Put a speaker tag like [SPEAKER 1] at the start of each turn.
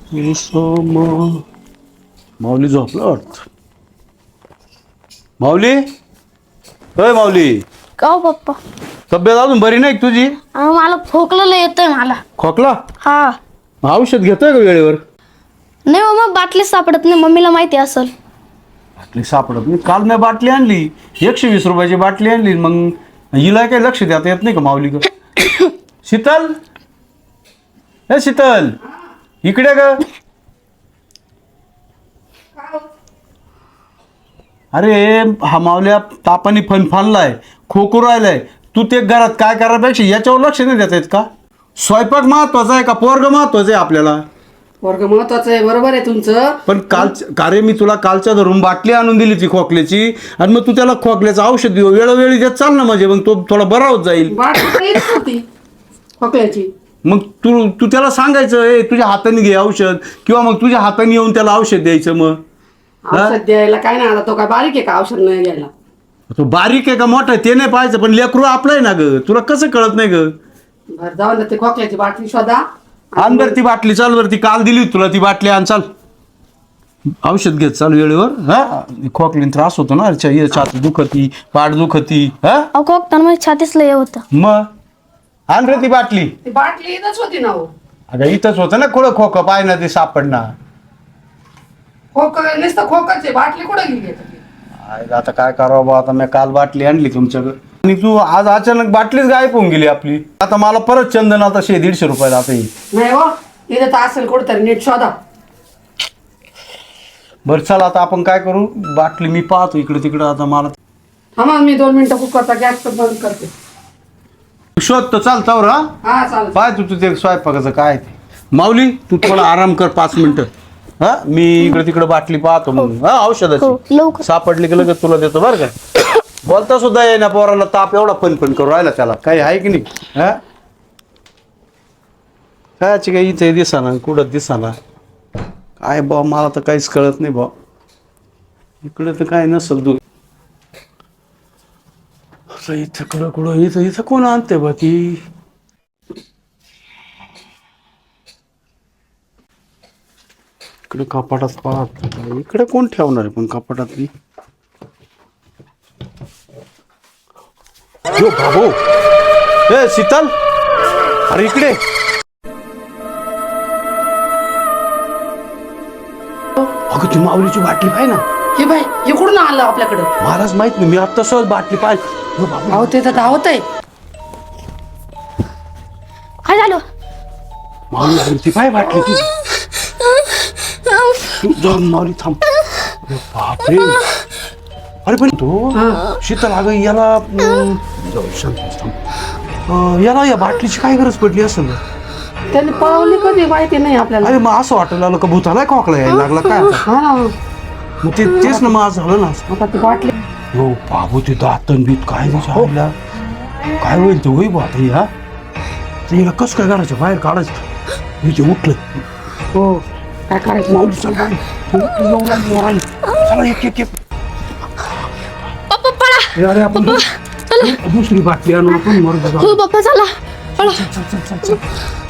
[SPEAKER 1] माऊली झोपलं वाटत. माऊली, होय माऊली.
[SPEAKER 2] का हो पप्पा?
[SPEAKER 1] तब्येत अजून बरी नाही का तुझी?
[SPEAKER 2] मला खोकलेलं येतंय मला.
[SPEAKER 1] खोकला?
[SPEAKER 2] हा.
[SPEAKER 1] औषध घेतोय का वेळेवर?
[SPEAKER 2] नाही हो, मग बाटली सापडत नाही. मम्मीला माहिती असेल.
[SPEAKER 1] बाटली सापडत नाही? काल मी बाटली आणली, 120 रुपयाची बाटली आणली. मग हिला काही लक्ष देता येत नाही का माऊली ग? शीतल, हे शीतल, इकडे ग. अरे हा माऊल्या तापाने फनफानलाय, खोकू राहिलाय. तू ते घरात काय करायपेक्षा याच्यावर लक्ष नाही देता येत का? स्वयंपाक महत्वाचा आहे का पोरग महत्वाचं आहे आपल्याला?
[SPEAKER 3] वर्ग महत्वाचं आहे, बरोबर आहे तुमचं.
[SPEAKER 1] पण काल मी तुला कालच्या धरून बाटली आणून दिली ती खोकल्याची, आणि मग तू त्याला खोकल्याचं औषध देऊ वेळोवेळी देत चाल ना, म्हणजे मग तो थोडा बरा होत जाईल.
[SPEAKER 3] बाटली येत होती खोकल्याची.
[SPEAKER 1] मग तू त्याला सांगायचं, ए तुझ्या हाताने घे औषध, किंवा मग तुझ्या हाताने येऊन त्याला औषध द्यायचं. मग
[SPEAKER 3] औषध द्यायला काय नाही, आता तो काय बारीक आहे का औषध नाही घ्यायला?
[SPEAKER 1] तो बारीक आहे का मोठा आहे ते नाही पाहायचं, पण लेकरू आपलं आहे ना ग, तुला कसं कळत नाही ग?
[SPEAKER 3] बरं जाऊन ते खोकल्याची बाटली शोधा.
[SPEAKER 1] आण बरं ती बाटली, चाल बरं, ती काल दिली होती तुला ती बाटली आण, चाल. औषध घेत चाल वेळेवर. हा, खोकलीन त्रास होतो ना, छाती दुखती, पाठ दुखती. हा,
[SPEAKER 2] अहो खोकताना माझ्या छातीच लय होतं.
[SPEAKER 1] मग आण रे ती बाटली.
[SPEAKER 3] ती बाटली इथंच होती ना हो.
[SPEAKER 1] अगं इथंच होतं ना, कुठं खोकं पाय ना ते सापडणार.
[SPEAKER 3] नुसतं खोकाचे बाटली कुठे गेली आता ती?
[SPEAKER 1] आता काय करावं बा, आता मी काल बाटली आणली तुमच्याकडे, आणि तू आज अचानक बाटलीच गायब होऊन गेली आपली. आता मला परत चंदन आता 100-150 रुपयाला आता येईल.
[SPEAKER 3] नाही हो, इथं तर असेल कुठंतरी, नीट शोधा.
[SPEAKER 1] बरं चल, आता आपण काय करू, बाटली मी पाहतो इकडे तिकडं. आता मला
[SPEAKER 3] थांबा, मी 2 मिनिटं कुकरचा गॅस बंद करते.
[SPEAKER 1] शोधतो, चालतं रा.
[SPEAKER 3] हा चालेल.
[SPEAKER 1] पाय तू ते स्वयंपाकाचं काय ते. माऊली तू थोडा आराम कर 5 मिनिटं. हा, मी इकडे तिकडे बाटली पाहतो मग. हा,
[SPEAKER 2] हो,
[SPEAKER 1] औषधाची
[SPEAKER 2] लवकर.
[SPEAKER 1] सापडली की लगेच तुला देतो बरं का. बोलता सुद्धा ये ना पोराला, ताप एवढा पण करू राहिला त्याला, काही आहे की नाही? हा, कायची काही इथे दिसाना, कुठं दिसाना काय बा, मला तर काहीच कळत नाही बा. इकडे तर काय नसल तू. इथं कुठं इथं कोण आणते बा ती? इकडे कपाटात पाहत, इकडे कोण ठेवणार आहे पण कपाटातली? यो बाबू, ए शीतल, अरे इकडे. अगं ती माऊलीची बाटली पाहि ना.
[SPEAKER 3] हे बाई, हे कुठून आलं आपल्याकडं?
[SPEAKER 1] महाराज माहित नाही, मी आता सहज बाटली पाहिजे.
[SPEAKER 3] अहो ते तर धावत आहे.
[SPEAKER 2] काय झालं?
[SPEAKER 1] माऊली आली ती पाय बाटली ती. तू जाऊन माऊली थांब. अरे बापरे, अरे पण तो शीतल, अगं याला याला या बाटलीची काय गरज पडली असेल?
[SPEAKER 3] त्यांनी पळवली कधी माहिती नाही आपल्याला.
[SPEAKER 1] अरे मग असं वाटायला लागलं का भूताला खोकला यायला लागला काय आता?
[SPEAKER 3] हा ना,
[SPEAKER 1] मग तेच ना, मग आज झालं ना.
[SPEAKER 3] आता ती बाटली.
[SPEAKER 1] हो बाबू, ते दातन बीत काय झालं, काय होईल ते होई बा आता. हा, तर याला कसं काय करायचं, बाहेर काढायचं. इथे उठलं.
[SPEAKER 3] हो, काय करायचं?
[SPEAKER 1] माऊली चल बाई, चला एक
[SPEAKER 2] पप्पा पळा.
[SPEAKER 1] अरे आपण
[SPEAKER 2] चला.
[SPEAKER 1] दुसरी बाटली आणू आपण.
[SPEAKER 2] हो पप्पा चला, पळा.
[SPEAKER 1] चल.